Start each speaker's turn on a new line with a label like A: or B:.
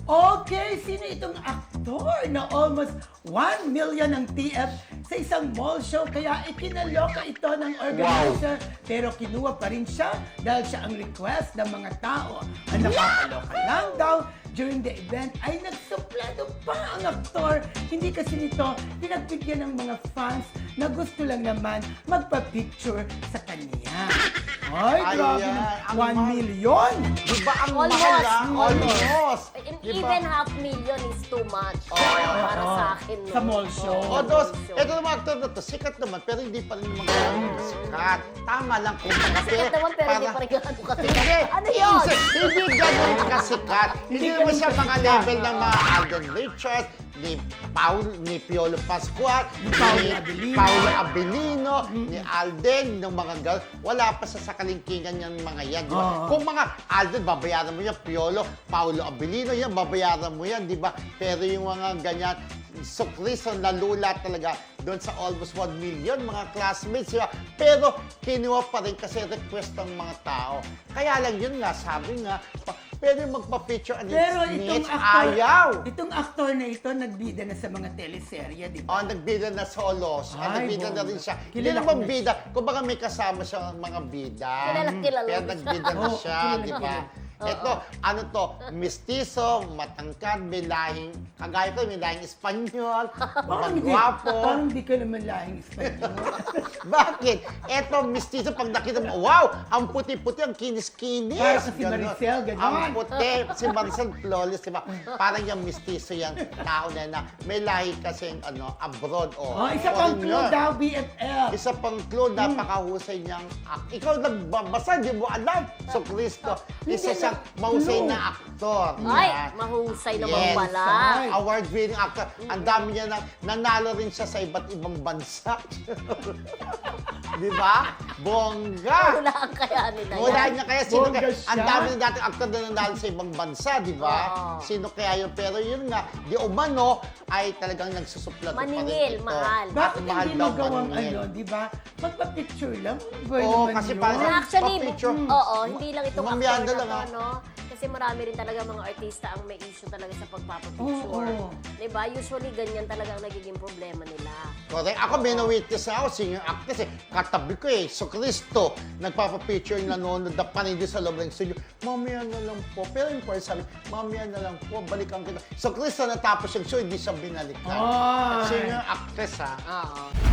A: Okay, sino itong aktor na almost 1 million ang TF sa isang mall show kaya ikinaloka ito ng organizer pero kinuha pa rin siya dahil siya ang request ng mga tao. Ang nakakaloka lang daw during the event ay nagsuplado pa ang aktor. Hindi kasi nito pinagbigyan ng mga fans na gusto lang naman magpa-picture sa kanya. Ay, grabe
B: Ayan,
A: naman. 1 million!
B: Di ba ang
C: Almost.
B: mahal lang? Almost. Di ba?
C: Even half million is too much para sa akin. No?
A: Sa mall show.
B: O dos, ito naman actor na to, sikat naman, pero hindi pa rin naman ganun sikat. Tama lang kung
C: Sikat naman pero hindi pa rin ganun kasi.
B: Hindi,
C: Ano yun?
B: Hindi ganun kasikat. Hindi naman siya mga level ng mga Alden Richards, ni Piolo Pascual, ni Paolo Abilino, ni Alden, ng mga girl. Wala pa sa kalingkingan yung mga yan, di ba? Kung mga Alden, babayaran mo yan, Piolo, Paolo Abilino, yan, babayaran mo yan, di ba? Pero yung mga ganyan, so Cristo, nalula talaga doon sa almost 1 million mga classmates. Diba? Pero kinuha pa rin kasi request ng mga tao. Kaya lang yun nga, sabi nga, pwede magpa-picture and
A: Pero
B: it's
A: itong aktor na ito nagbida na sa mga teleserye, di ba?
B: Oh, nagbida na solo.
A: Ay,
B: Nagbida na
A: bongga.
B: rin siya.
A: Kilala
B: Hindi
A: ko
B: naman
A: na
B: bida. Kung baka may kasama siya mga bida.
C: Kilala
B: Pero
C: mo
B: nagbida na
A: siya.
B: siya,
A: Oo,
B: di ba?
A: kilala.
B: Ito, ano to, mistiso, matangkad, may lahing, kagaya ko, may lahing Espanyol, magwapo.
A: Parang hindi ka naman lahing Espanyol.
B: Bakit? Eto, mistiso, pag nakita mo, wow, ang puti-puti, ang kinis-kinis.
A: Parang si
B: Ganon.
A: Maricel, ganon.
B: Ang puti, si Maricel flawless, di ba? Parang yung mistiso yung tao na may lahi kasing abroad.
A: Oh, isa pang clue daw, BFF.
B: Isa pang clue, napakahusay niyang ikaw nagbabasa, di mo alam. So, Cristo, isa siyang mahusay na aktor.
C: Ay,
B: Yan.
C: mahusay naman
B: Yes.
C: pala.
B: Award-winning actor. Ang dami niya nanalo rin siya sa iba't ibang bansa. Di ba? Bongga!
C: Hulaan kaya nila yan.
B: Wala niya kaya sino
A: Bongga
B: kaya,
A: siya.
B: ang dami ng dating aktor na nanalo sa ibang bansa, di ba?
C: Oo.
B: Sino kaya yun? Pero yun nga, di umano ay talagang nagsusuplato pa rin
C: Maningil,
B: ito.
C: mahal.
A: Bakit
B: Mahal
A: hindi
B: daw
A: magawang
B: maningil.
A: di ba? Magpa-picture lang.
B: Oo, kasi parang-
C: Na actually,
B: Pa-picture.
C: oo, hindi lang itong
B: Mamaya
C: actor
B: na lang,
C: na to, no? Kasi marami rin talaga mga artista ang may issue talaga sa pagpapapicture.
A: Oo.
C: Diba? Usually, ganyan talaga ang nagiging problema nila.
B: Correct. Ako, may na-witness na ako, senior actress eh. Katabi ko eh, so Cristo, nagpapapicture yung nanonood na panindi sa loob ng studio. Mamaya na lang po. Pero yung person sabi, mamaya na lang po, balikan kita. So Cristo, natapos yung show, hindi siya binalikan.
A: Ay.
B: Senior actress ha.
C: Oo.